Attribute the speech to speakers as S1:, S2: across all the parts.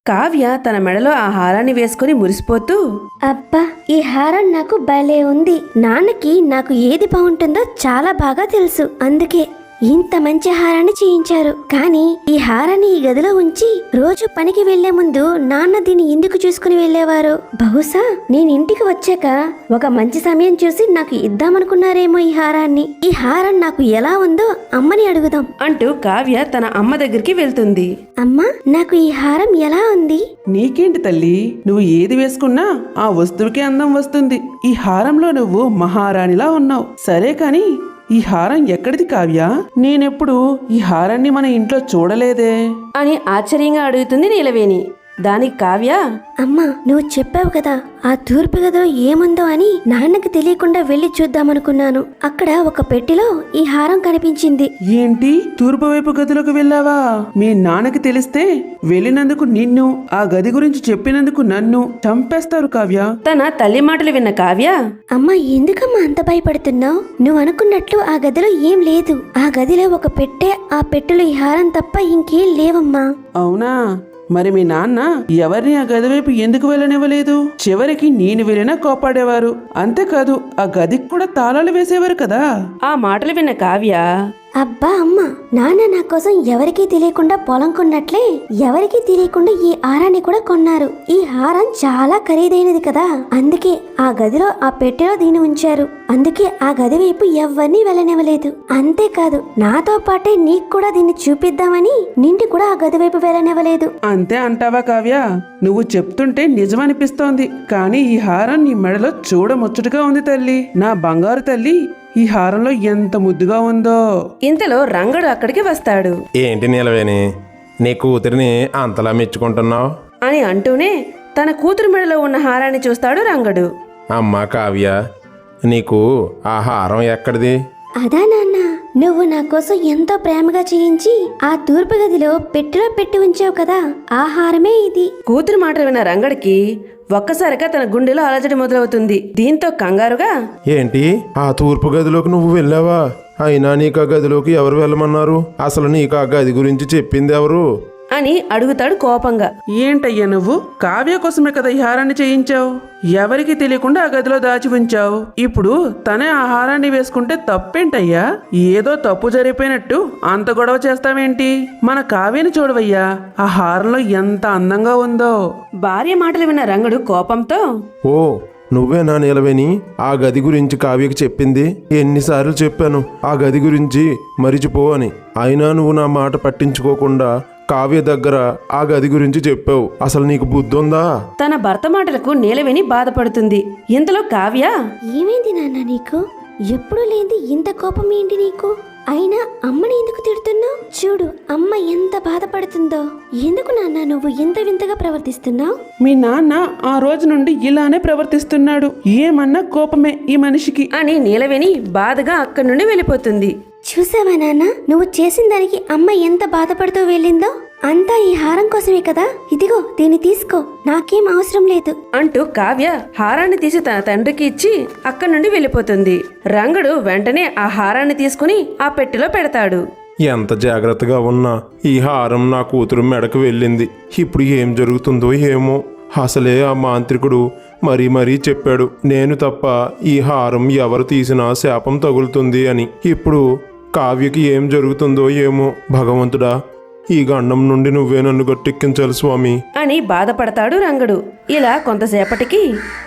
S1: కావ్య తన మెడలో ఆ హారాన్ని వేసుకుని మురిసిపోతూ,
S2: అబ్బా, ఈ హారం నాకు భలే ఉంది. నాన్నకి నాకు ఏది బాగుంటుందో చాలా బాగా తెలుసు. అందుకే ఇంత మంచి హారాన్ని చేయించారు. కానీ ఈ హారాన్ని ఈ గదిలో ఉంచి రోజు పనికి వెళ్లే ముందు నాన్న దీన్ని ఎందుకు చూసుకుని వెళ్లేవారు? బహుశా నేను ఇంటికి వచ్చాక ఒక మంచి సమయం చూసి నాకు ఇద్దామనుకున్నారేమో ఈ హారాన్ని. ఈ హారం నాకు ఎలా ఉందో అమ్మని అడుగుదాం
S1: అంటూ కావ్య తన అమ్మ దగ్గరికి వెళ్తుంది.
S2: అమ్మా, నాకు ఈ హారం ఎలా ఉంది?
S3: నీకేంటి తల్లి, నువ్వు ఏది వేసుకున్నా ఆ వస్తువుకి అందం వస్తుంది. ఈ హారంలో నువ్వు మహారాణిలా ఉన్నావు. సరే కాని ఈ హారం ఎక్కడిది కావ్య? నేనెప్పుడు ఈ హారాన్ని మన ఇంట్లో చూడలేదే
S1: అని ఆశ్చర్యంగా అడుగుతుంది నీలవేణి. దానికి కావ్య,
S2: అమ్మా, నువ్వు చెప్పావు కదా ఆ తూర్పు గదిలో ఏముందో అని. నాన్నకి తెలియకుండా వెళ్లి చూద్దామనుకున్నాను. అక్కడ ఒక పెట్టెలో ఈ హారం కనిపించింది.
S3: ఏంటి, తూర్పు వైపు గదిలోకి వెళ్ళావా? మీ నాన్నకి తెలిస్తే వెళ్ళినందుకు నిన్ను, ఆ గది గురించి చెప్పినందుకు నన్ను చంపేస్తారు కావ్య.
S1: తన తల్లి మాటలు విన్న కావ్య,
S2: అమ్మా, ఎందుకమ్మా అంత భయపడుతున్నావు? నువ్వు అనుకున్నట్లు ఆ గదిలో ఏం లేదు. ఆ గదిలో ఒక పెట్టె, ఆ పెట్టెలో ఈ హారం తప్ప ఇంకేం లేవమ్మా.
S3: అవునా? మరి మీ నాన్న ఎవరిని ఆ గది వైపు ఎందుకు వెళ్ళనివ్వలేదు? చివరికి నేను వెళ్ళినా కోపాడేవారు. అంతేకాదు ఆ గదికి కూడా తాళాలు వేసేవారు కదా.
S1: ఆ మాటలు విన్న కావ్య,
S2: అబ్బా అమ్మ, నాన్న నా కోసం ఎవరికీ తెలియకుండా పొలం కొన్నట్లే ఎవరికీ తెలియకుండా ఈ హారాన్ని కూడా కొన్నారు. ఈ హారం చాలా ఖరీదైనది కదా, అందుకే ఆ గదిలో ఆ పెట్టెలో దీన్ని ఉంచారు. అందుకే ఆ గది వైపు ఎవరిని వెళ్ళనివ్వలేదు. అంతేకాదు నాతో పాటే నీకు కూడా దీన్ని చూపిద్దామని నింటి కూడా ఆ గది వైపు వెళ్ళనివ్వలేదు.
S3: అంతే అంటావా కావ్య? నువ్వు చెప్తుంటే నిజమనిపిస్తోంది. కానీ ఈ హారం నీ మెడలో చూడముచ్చటగా ఉంది తల్లి. నా బంగారు తల్లి, ఈ హారంలో ఎంత ముద్దుగా ఉందో.
S1: ఇంతలో రంగడు అక్కడికి వస్తాడు.
S4: ఏంటి నీలవేణి, నీ కూతురిని అంతలా మెచ్చుకుంటున్నావు
S1: అని అంటూనే తన కూతురు మెడలో ఉన్న హారాన్ని చూస్తాడు రంగడు.
S4: అమ్మా కావ్య, నీకు ఆ హారం ఎక్కడిది?
S2: అదా నాన్న, నువ్వు నా కోసం ఎంతో ప్రేమగా చేయించి ఆ తూర్పు గదిలో పెట్టెలో పెట్టి ఉంచావు కదా, ఆ హారమే ఇది.
S1: కూతురు మాటలు విన్న రంగడికి ఒక్కసారిగా తన గుండెలో అలజడి మొదలవుతుంది. దీంతో కంగారుగా,
S4: ఏంటి, ఆ తూర్పు గదిలోకి నువ్వు వెళ్ళావా? అయినా నీకు ఆ గదిలోకి ఎవరు వెళ్ళమన్నారు? అసలు నీకు ఆ గది గురించి చెప్పింది ఎవరు
S1: అని అడుగుతాడు కోపంగా.
S3: ఏంటయ్యా నువ్వు? కావ్య కోసమే కదా ఈ హారాన్ని చేయించావు. ఎవరికి తెలియకుండా ఆ గదిలో దాచి ఉంచావు. ఇప్పుడు తనే ఆ హారాన్ని వేసుకుంటే తప్పేంటయ్యా? ఏదో తప్పు జరిగిపోయినట్టు అంత గొడవ చేస్తావేంటి? మన కావ్యని చూడవయ్యా, ఆ హారంలో ఎంత అందంగా ఉందో.
S1: భార్య మాటలు విన్న రంగడు కోపంతో,
S4: ఓ, నువ్వేనా నీలవేణి ఆ గది గురించి కావ్యకి చెప్పింది? ఎన్నిసార్లు చెప్పాను ఆ గది గురించి మరిచిపో అని. అయినా నువ్వు నా మాట పట్టించుకోకుండా కావ్య దగ్గర ఆ గది గురించి చెప్పావు. అసలు నీకు బుద్ధి ఉందా?
S1: తన భర్త మాటలకు నీలవేణి బాధపడుతుంది. ఇంతలో కావ్య,
S2: ఏమైంది నాన్న నీకు? ఎప్పుడు లేని ఇంత కోపం ఏంటి నీకు? అయినా అమ్మని ఎందుకు తిడుతున్నావు? చూడు అమ్మ ఎంత బాధపడుతుందో. ఎందుకు నాన్న నువ్వు ఇంత వింతగా ప్రవర్తిస్తున్నావు?
S3: మీ నాన్న ఆ రోజు నుండి ఇలానే ప్రవర్తిస్తున్నాడు. ఏమన్నా కోపమే ఈ మనిషికి
S1: అని నీలవేణి బాధగా అక్కడి నుండి వెళ్ళిపోతుంది.
S2: చూసావా నాన్న, నువ్వు చేసిన దానికి అమ్మ ఎంత బాధపడుతూ వెళ్ళిందో? అంతా ఈ హారం కోసమే కదా. ఇదిగో దీన్ని తీసుకో, నాకేం అవసరం లేదు
S1: అంటూ కావ్య హారాన్ని తీసి తన తండ్రికి ఇచ్చి అక్కడి నుండి వెళ్ళిపోతుంది. రంగడు వెంటనే ఆ హారాన్ని తీసుకుని ఆ పెట్టెలో పెడతాడు.
S4: ఎంత జాగ్రత్తగా ఉన్నా ఈ హారం నా కూతురు మెడకు వెళ్ళింది. ఇప్పుడు ఏం జరుగుతుందో ఏమో. అసలే ఆ మాంత్రికుడు మరీ చెప్పాడు, నేను తప్ప ఈ హారం ఎవరు తీసినా శాపం తగులుతుంది అని. ఇప్పుడు కావ్యకి ఏం జరుగుతుందో ఏమో. భగవంతుడా, ఈ గండం నుండి నువ్వే నన్ను గట్టెక్కించాలి స్వామి
S1: అని బాధపడతాడు రంగడు. ఇలా కొంతసేపటికి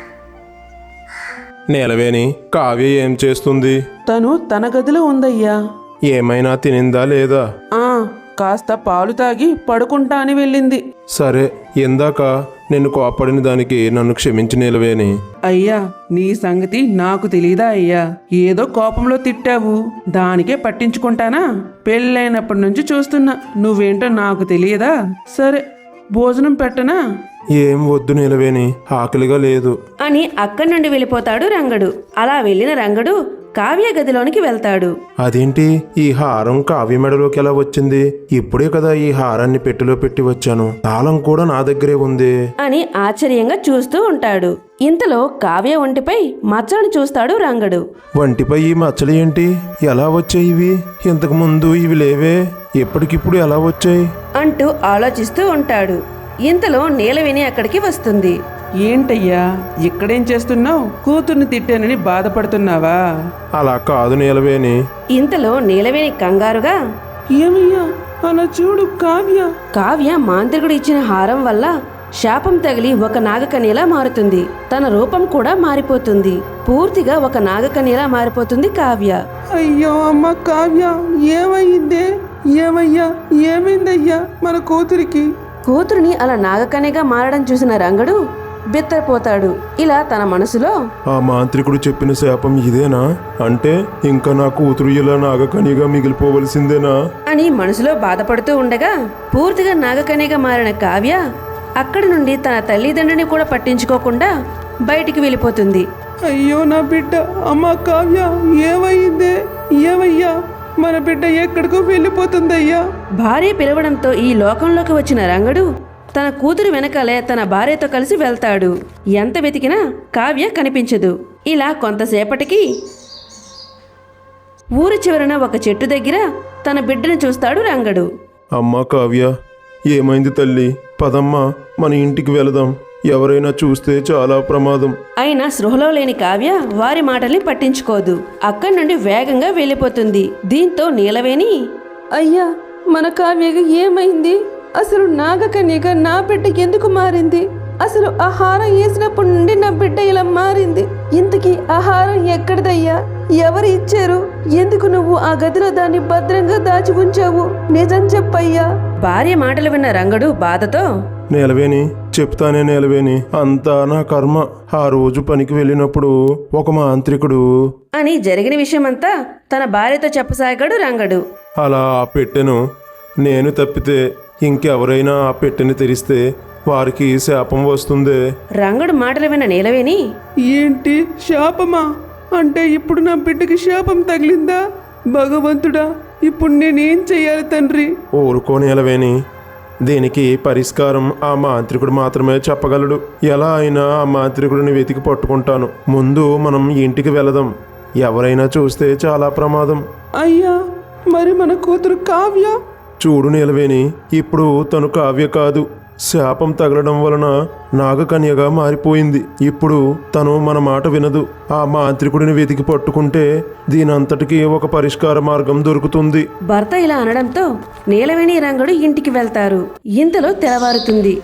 S4: నీలవేణి, కావ్య ఏం చేస్తుంది?
S3: తను తన గదిలో ఉందయ్యా.
S4: ఏమైనా తినిందా లేదా?
S3: కాస్త పాలు తాగి పడుకుంటా అని వెళ్ళింది.
S4: సరే, ఇందాక నేను కోపడిన దానికి నన్ను క్షమించి నీలవేణి.
S3: అయ్యా, నీ సంగతి నాకు తెలీదా అయ్యా? ఏదో కోపంలో తిట్టావు, దానికే పట్టించుకుంటానా? పెళ్ళైనప్పటి నుంచి చూస్తున్నా, నువ్వేంటో నాకు తెలియదా? సరే, భోజనం పెట్టనా?
S4: ఏం వద్దు నీలవేణి, ఆకలిగా లేదు
S1: అని అక్కడి నుండి వెళ్ళిపోతాడు రంగడు. అలా వెళ్ళిన రంగడు కావ్య గదిలోనికి వెళ్తాడు.
S4: అదేంటి, ఈ హారం కావ్య మెడలోకి ఎలా వచ్చింది? ఇప్పుడే కదా ఈ హారాన్ని పెట్టెలో పెట్టి వచ్చాను, తాళం కూడా నా దగ్గరే ఉంది
S1: అని ఆశ్చర్యంగా చూస్తూ ఉంటాడు. ఇంతలో కావ్య ఒంటిపై మచ్చలను చూస్తాడు రంగడు.
S4: వంటిపై ఈ మచ్చలు ఏంటి? ఎలా వచ్చాయి ఇవి? ఇంతకు ముందు ఇవి లేవే, ఎప్పటికిప్పుడు ఎలా వచ్చాయి
S1: అంటూ ఆలోచిస్తూ ఉంటాడు. ఇంతలో నీలవేణి అక్కడికి వస్తుంది.
S3: ఏంటయ్యా ఇక్కడేం చేస్తున్నావు? కూతుర్ని తిట్టానని బాధపడుతున్నావా?
S4: అలా కాదు నీలవేణి.
S1: ఇంతలో నీలవేణి కంగారుగా,
S3: ఏమయ్యా అలా చూడు కావ్య.
S1: కావ్య మాంత్రికుడు ఇచ్చిన హారం వల్ల శాపం తగిలి ఒక నాగకన్యలా మారుతుంది. తన రూపం కూడా మారిపోతుంది. పూర్తిగా ఒక నాగకన్యలా మారిపోతుంది కావ్య.
S3: అయ్యో అమ్మ కావ్య, ఏమైందే? ఏమయ్యా ఏమైందయ్యా మన కూతురికి?
S1: కూతురిని అలా నాగకన్యగా మారడం చూసిన రంగడు బిత్తరపోతాడు. ఇలా తన మనసులో,
S4: ఆ మాంత్రికుడు చెప్పిన శాపం ఇదేనా? అంటే ఇంకా నా కూతురు ఇలా నాగకన్యగా మిగిలిపోవలసిందేనా?
S1: అని మనసులో బాధపడుతూ ఉండగా పూర్తిగా నాగకన్యగా మారిన కావ్య అక్కడి నుండి తన తల్లిదండ్రిని కూడా పట్టించుకోకుండా బయటికి వెళ్ళిపోతుంది.
S3: అయ్యో నా బిడ్డ. అమ్మ కావ్య, ఏమైందే? ఏమయ్యా మన బిడ్డ ఎక్కడికో వెళ్ళిపోతుందయ్యా.
S1: భార్య పిలవడంతో ఈ లోకంలోకి వచ్చిన రంగడు తన కూతురు వెనకాలే తన భార్యతో కలిసి వెళ్తాడు. ఎంత వెతికినా కావ్య కనిపించదు. ఇలా కొంతసేపటికి ఊరి చివరన ఒక చెట్టు దగ్గర తన బిడ్డను చూస్తాడు రంగడు.
S4: అమ్మా కావ్య, ఏమైంది తల్లి? పదమ్మా, మన ఇంటికి వెళదాం. ఎవరైనా చూస్తే చాలా ప్రమాదం.
S1: అయినా స్పృహలో లేని కావ్య వారి మాటల్ని పట్టించుకోదు. అక్కడి నుండి వేగంగా వెళ్ళిపోతుంది. దీంతో నీలవేణి, అయ్యా మన కావ్యగా ఏమైంది? అసలు నాగకన్యగా నా బిడ్డ ఎందుకు మారింది? అసలు ఆహారం వేసినప్పటి నుండి నా బిడ్డ ఇలా మారింది. ఇంతకీ ఆహారం ఎక్కడిదయ్యా? ఎవరు ఇచ్చారు? ఎందుకు నువ్వు ఆ గదిలో దాన్ని భద్రంగా దాచి ఉంచావు? నిజం చెప్పయ్యా. భార్య మాటలు విన్న రంగడు బాధతో,
S4: నీలవేణి, చెప్తానే నీలవేణి, అంతా నా కర్మ. ఆ రోజు పనికి వెళ్ళినప్పుడు ఒక మాంత్రికుడు
S1: అని జరిగిన విషయమంతా తన భార్యతో చెప్పసాగాడు రంగడు.
S4: అలా ఆ పెట్టెను నేను తప్పితే ఇంకెవరైనా ఆ పెట్టెని తెరిస్తే వారికి శాపం వస్తుందే.
S1: రంగడు మాటలు విన్న నీలవేణి,
S3: ఏంటి శాపమా? అంటే ఇప్పుడు నా బిడ్డకి శాపం తగిలిందా? భగవంతుడా, ఇప్పుడు నేనేం చెయ్యాలి తండ్రి?
S4: ఊరుకో నీలవేణి, దీనికి పరిష్కారం ఆ మాంత్రికుడు మాత్రమే చెప్పగలడు. ఎలా అయినా ఆ మాంత్రికుడిని వెతికి పట్టుకుంటాను. ముందు మనం ఇంటికి వెళదాం. ఎవరైనా చూస్తే చాలా ప్రమాదం.
S3: అయ్యా మరి మన కూతురు కావ్య?
S4: చూడు నీలవేణి, ఇప్పుడు తను కావ్య కాదు, శాపం తగలడం వలన నాగకన్యగా మారిపోయింది. ఇప్పుడు తను మన మాట వినదు. ఆ మాంత్రికుడిని వెతికి పట్టుకుంటే దీనంతటికీ ఒక పరిష్కార మార్గం దొరుకుతుంది.
S1: భర్త ఇలా అనడంతో నీలవేణి రంగడు ఇంటికి వెళ్తారు. ఇంతలో తెల్లవారుతుంది.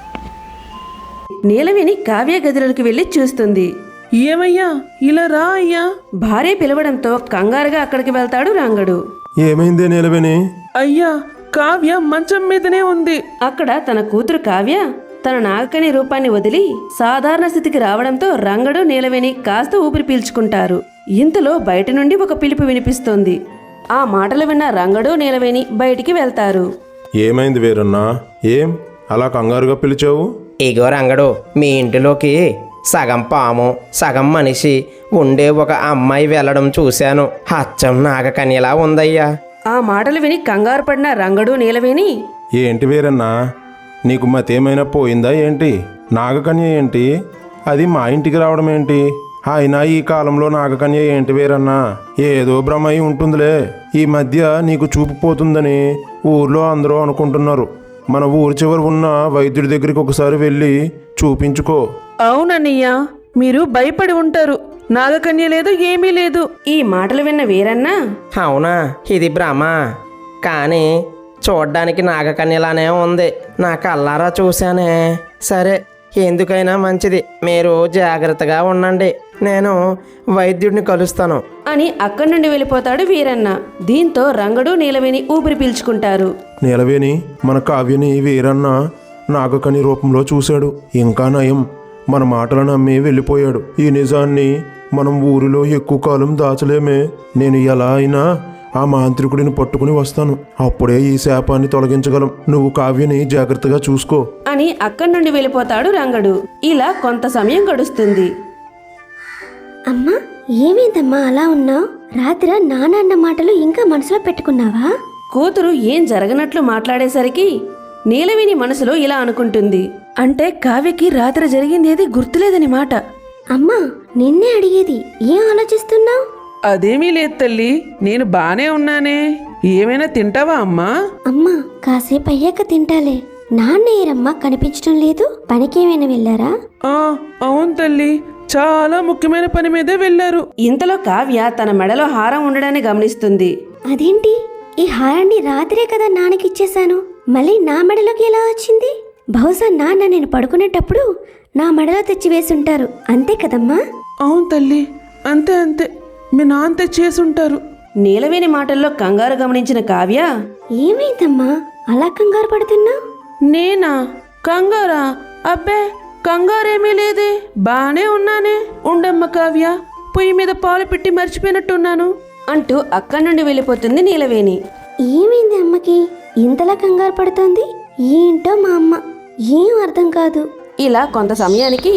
S1: నీలవేణి కావ్య గదిలోకి వెళ్లి చూస్తుంది.
S3: ఏమయ్యా ఇలా రా అయ్యా.
S1: భార్య పిలవడంతో కంగారుగా అక్కడికి వెళ్తాడు రంగడు.
S4: ఏమైందే నీలవేణి?
S3: అయ్యా కావ్య మంచం మీదనే ఉంది.
S1: అక్కడ తన కూతురు కావ్య తన నాగకని రూపాన్ని వదిలి సాధారణ స్థితికి రావడంతో రంగడు నీలవేణి కాస్త ఊపిరి పీల్చుకుంటారు. ఇంతలో బయట నుండి ఒక పిలుపు వినిపిస్తోంది. ఆ మాటలు విన్న రంగడు నీలవేణి బయటికి వెళ్తారు.
S4: ఏమైంది వీరన్నా? ఏం అలా కంగారుగా పిలిచావు?
S5: ఇగో రంగడు, మీ ఇంటిలోకి సగం పాము సగం మనిషి ఉండే ఒక అమ్మాయి వెళ్ళడం చూశాను. అచ్చం నాగకన్యలా ఉందయ్యా.
S1: ఆ మాటలు విని కంగారు పడిన రంగడు నీలవేణి,
S4: ఏంటి వీరన్నా, నీకు మతేమైనా పోయిందా ఏంటి? నాగకన్య ఏంటి? అది మా ఇంటికి రావడం ఏంటి? అయినా ఈ కాలంలో నాగకన్య ఏంటి వీరన్నా? ఏదో భ్రమై ఉంటుందిలే. ఈ మధ్య నీకు చూపు పోతుందని ఊర్లో అందరూ అనుకుంటున్నారు. మన ఊరి చివర ఉన్న వైద్యుడి దగ్గరికి ఒకసారి వెళ్ళి చూపించుకో.
S3: అవునన్నయ్యా, మీరు భయపడి ఉంటారు. నాగకన్య లేదు, ఏమీ లేదు.
S1: ఈ మాటలు విన్న వీరన్న,
S5: అవునా, ఇది భ్రమ. కానీ చూడ్డానికి నాగకన్యలానే ఉంది. నా కళ్ళారా చూశానే. సరే, ఎందుకైనా మంచిది, మీరు జాగ్రత్తగా ఉండండి. నేను వైద్యుడిని కలుస్తాను
S1: అని అక్కడి నుండి వెళ్ళిపోతాడు వీరన్న. దీంతో రంగడు నీలవేణి ఊపిరి పీల్చుకుంటారు.
S4: నీలవేణి, మన కావ్యని వీరన్న నాగకని రూపంలో చూశాడు. ఇంకా నయం, మన మాటలు నమ్మి వెళ్ళిపోయాడు. ఈ నిజాన్ని మనం ఊరిలో ఎక్కువ కాలం దాచలేమే. నేను ఎలా అయినా ఆ మాంత్రికుడిని పట్టుకుని వస్తాను. అప్పుడే ఈ శాపాన్ని తొలగించగలం. నువ్వు కావ్యని జాగ్రత్తగా చూసుకో
S1: అని అక్కడి నుండి వెళ్ళిపోతాడు రంగడు. ఇలా కొంత సమయం గడుస్తుంది.
S2: అమ్మా, ఏమైందమ్మా అలా ఉన్నావు? రాత్రి నాన్న మాటలు ఇంకా మనసులో పెట్టుకున్నావా?
S1: కూతురు ఏం జరగనట్లు మాట్లాడేసరికి నీలవేణి మనసులో ఇలా అనుకుంటుంది. అంటే కావ్యకి రాత్రి జరిగిందేది గుర్తులేదని మాట.
S2: అమ్మా, నిన్నే అడిగేది. ఏం ఆలోచిస్తున్నావు?
S3: అదేమీ లేదు తల్లి, నేను బానే ఉన్నానే. ఏమైనా తింటావా అమ్మా?
S2: అమ్మా, కాసేపు అయ్యాక తింటాలే. నాన్న ఏరమ్మా కనిపించడం లేదు, పనికేమైనా వెళ్ళారా?
S3: ఆ అవును తల్లి, చాలా ముఖ్యమైన పని మీదే వెళ్ళారు.
S1: ఇంతలో కావ్య తన మెడలో హారం ఉండడాన్ని గమనిస్తుంది.
S2: అదేంటి, ఈ హారాన్ని రాత్రే కదా నాన్నకిచ్చేశాను, మళ్ళీ నా మెడలోకి ఎలా వచ్చింది? బహుశా నాన్న నేను పడుకునేటప్పుడు నా మెడలో తెచ్చి వేసుంటారు, అంతే కదమ్మా?
S3: అవును తల్లి, అంతే అంతే, మీ నాన్న తెచ్చేసుంటారు.
S1: నీలవేణి మాటల్లో కంగారు గమనించిన కావ్య,
S2: ఏమైందమ్మా అలా కంగారు పడుతున్నావు?
S1: నేనా కంగారా? అబ్బే కంగారేమీ లేదే, బానే ఉన్నానే. ఉండమ్మ కావ్య, పొయ్యి మీద పాలు పెట్టి మర్చిపోయినట్టున్నాను అంటూ అక్కడి నుండి వెళ్ళిపోతుంది నీలవేణి.
S2: ఏమైంది అమ్మకి ఇంతలా కంగారు పడుతోంది? ఏంటో మా అమ్మ, ఏం అర్థం కాదు.
S1: ఇలా కొంత సమయానికి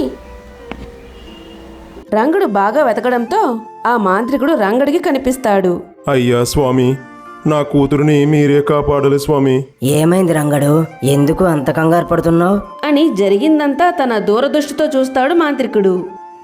S1: రంగడు బాగా వెతకడంతో ఆ మాంత్రికుడు రంగడికి కనిపిస్తాడు.
S4: అయ్యా స్వామి, నా కూతురుని మీరే కాపాడాలి స్వామి.
S6: ఏమైంది రంగడు, ఎందుకు అంత కంగారు పడుతున్నావు?
S1: అని జరిగిందంతా తన దూరదృష్టితో చూస్తాడు మాంత్రికుడు.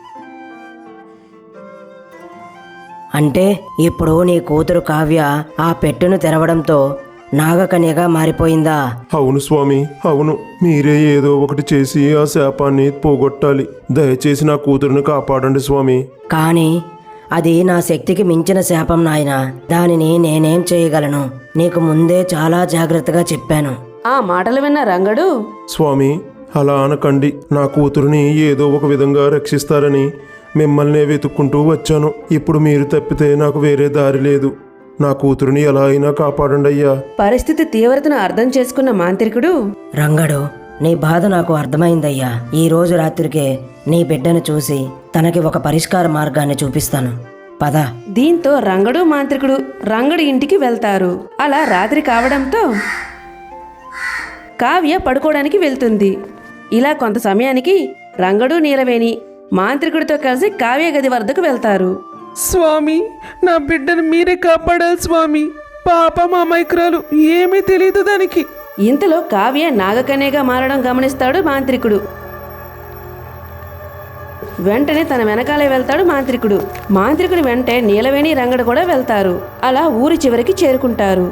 S6: అంటే ఇప్పుడు నీ కూతురు కావ్య ఆ పెట్టెను తెరవడంతో నాగకన్యగా మారిపోయిందా?
S4: అవును స్వామి, అవును. మీరే ఏదో ఒకటి చేసి ఆ శాపాన్ని పోగొట్టాలి. దయచేసి నా కూతురుని కాపాడండి స్వామి.
S6: కానీ అది నా శక్తికి మించిన శాపం నాయనా, దానిని నేనేం చేయగలను? నీకు ముందే చాలా జాగ్రత్తగా చెప్పాను.
S1: ఆ మాటలు విన్న రంగడు,
S4: స్వామి, అలా అనకండి. నా కూతురుని ఏదో ఒక విధంగా రక్షిస్తారని మిమ్మల్నే వెతుక్కుంటూ వచ్చాను. ఇప్పుడు మీరు తప్పితే నాకు వేరే దారి లేదు. నా కూతురుని ఎలా అయినా కాపాడండి అయ్యా.
S1: పరిస్థితి తీవ్రతను అర్థం చేసుకున్న మాంత్రికుడు,
S6: రంగడు, నీ బాధ నాకు అర్థమైందయ్యా. ఈ రోజు రాత్రికే నీ బిడ్డను చూసి తనకి ఒక పరిష్కార మార్గాన్ని చూపిస్తాను. పద.
S1: దీంతో రంగడు మాంత్రికుడు రంగడి ఇంటికి వెళ్తారు. అలా రాత్రి కావడంతో కావ్య పడుకోవడానికి వెళ్తుంది. ఇలా కొంత సమయానికి రంగడు నీలవేణి మాంత్రికుడితో కలిసి కావ్య గది వద్దకు వెళ్తారు.
S3: స్వామి, నా బిడ్డను మీరే కాపాడాలి స్వామి. పాపం అమాయకురాలు, ఏమీ తెలియదు దానికి.
S1: ఇంతలో కావ్య నాగకన్యగా మారడం గమనిస్తాడు మాంత్రికుడు. వెంటనే తన వెనకాలే వెళ్తాడు మాంత్రికుడు. మాంత్రికుడి వెంటే నీలవేణి రంగడు కూడా వెళ్తారు. అలా ఊరి చివరికి చేరుకుంటారు.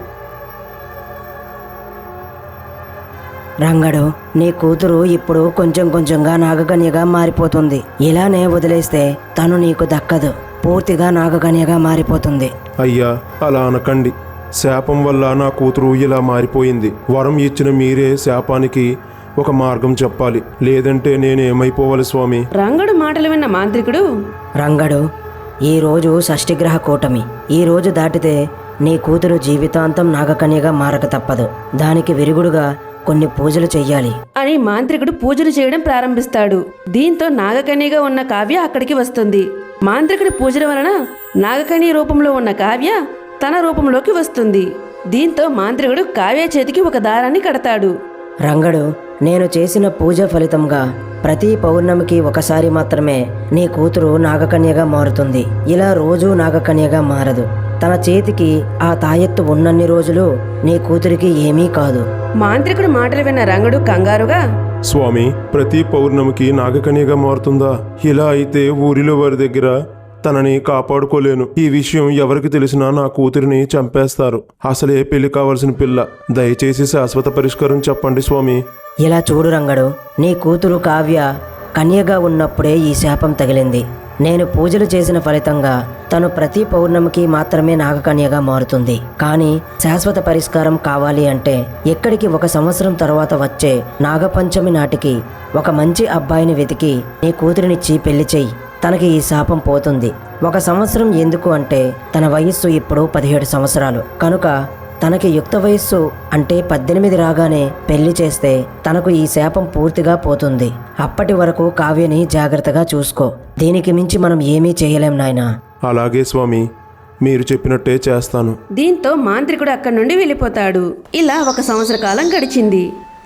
S6: రంగడు, నీ కూతురు ఇప్పుడు కొంచెం కొంచెంగా నాగకన్యగా మారిపోతుంది. ఇలానే వదిలేస్తే తను నీకు దక్కదు, పూర్తిగా నాగకన్యగా మారిపోతుంది.
S4: అయ్యా, అలా అనకండి. శాపం వల్ల నా కూతురు ఇలా మారిపోయింది. వరం ఇచ్చిన మీరే శాపానికి ఒక మార్గం చెప్పాలి, లేదంటే నేనేమైపోవాలి స్వామి?
S1: రంగడు మాటలు విన్న మాంత్రికుడు,
S6: రంగడు, ఈరోజు షష్ఠిగ్రహ కూటమి. ఈ రోజు దాటితే నీ కూతురు జీవితాంతం నాగకన్యగా మారక తప్పదు. దానికి విరుగుడుగా కొన్ని పూజలు చెయ్యాలి
S1: అని మాంత్రికుడు పూజలు చేయడం ప్రారంభిస్తాడు. దీంతో నాగకన్యగా ఉన్న కావ్య అక్కడికి వస్తుంది. మాంత్రికుడి పూజల వలన నాగకన్య రూపంలో ఉన్న కావ్య తన రూపంలోకి వస్తుంది. దీంతో మాంత్రికుడు కావ్య చేతికి ఒక దారాన్ని కడతాడు.
S6: రంగడు, నేను చేసిన పూజ ఫలితంగా ప్రతి పౌర్ణమికి ఒకసారి మాత్రమే నీ కూతురు నాగకన్యగా మారుతుంది. ఇలా రోజూ నాగకన్యగా మారదు. తన చేతికి ఆ తాయెత్తు ఉన్నన్ని రోజులు నీ కూతురికి ఏమీ కాదు.
S1: మాంత్రికుడు మాటలు విన్న రంగడు కంగారుగా,
S4: స్వామి, ప్రతి పౌర్ణమికి నాగకన్యగా మారుతుందా? ఇలా అయితే ఊరిలో వారి దగ్గర తనని కాపాడుకోలేను. ఈ విషయం ఎవరికి తెలిసినా నా కూతురిని చంపేస్తారు. అసలే పెళ్లి కావాల్సిన పిల్ల. దయచేసి శాశ్వత పరిష్కారం చెప్పండి స్వామి.
S6: ఇలా చూడు రంగడు, నీ కూతురు కావ్య కన్యగా ఉన్నప్పుడే ఈ శాపం తగిలింది. నేను పూజలు చేసిన ఫలితంగా తను ప్రతి పౌర్ణమికి మాత్రమే నాగకన్యగా మారుతుంది. కానీ శాశ్వత పరిష్కారం కావాలి అంటే ఎక్కడికి 1 సంవత్సరం తర్వాత వచ్చే నాగపంచమి నాటికి ఒక మంచి అబ్బాయిని వెతికి నీ కూతురినిచ్చి పెళ్లి చెయ్యి. తనకి ఈ శాపం పోతుంది. 1 సంవత్సరం ఎందుకు అంటే తన వయస్సు ఇప్పుడు 17 సంవత్సరాలు కనుక తనకి యుక్త వయస్సు అంటే 18 రాగానే పెళ్లి చేస్తే తనకు ఈ శాపం పూర్తిగా పోతుంది. అప్పటి వరకు కావ్యని జాగ్రత్తగా చూసుకో. దీనికి మించి మనం ఏమీ చేయలేం నాయనా.
S4: అలాగే స్వామి, మీరు చెప్పినట్టే చేస్తాను.
S1: దీంతో మాంత్రికుడు అక్కడి నుండి వెళ్ళిపోతాడు. ఇలా 1 సంవత్సర కాలం గడిచింది.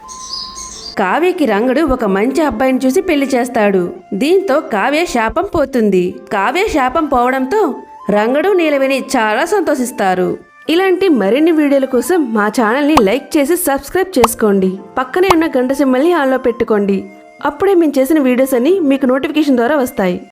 S1: కావ్యకి రంగడు ఒక మంచి అబ్బాయిని చూసి పెళ్లి చేస్తాడు. దీంతో కావ్య శాపం పోతుంది. కావ్య శాపం పోవడంతో రంగడు నీలవేణి చాలా సంతోషిస్తారు. ఇలాంటి మరిన్ని వీడియోల కోసం మా ఛానల్ని లైక్ చేసి సబ్స్క్రైబ్ చేసుకోండి. పక్కనే ఉన్న గంట సింబల్ని ఆన్లో పెట్టుకోండి. అప్పుడే మేము చేసిన వీడియోస్ అన్ని మీకు నోటిఫికేషన్ ద్వారా వస్తాయి.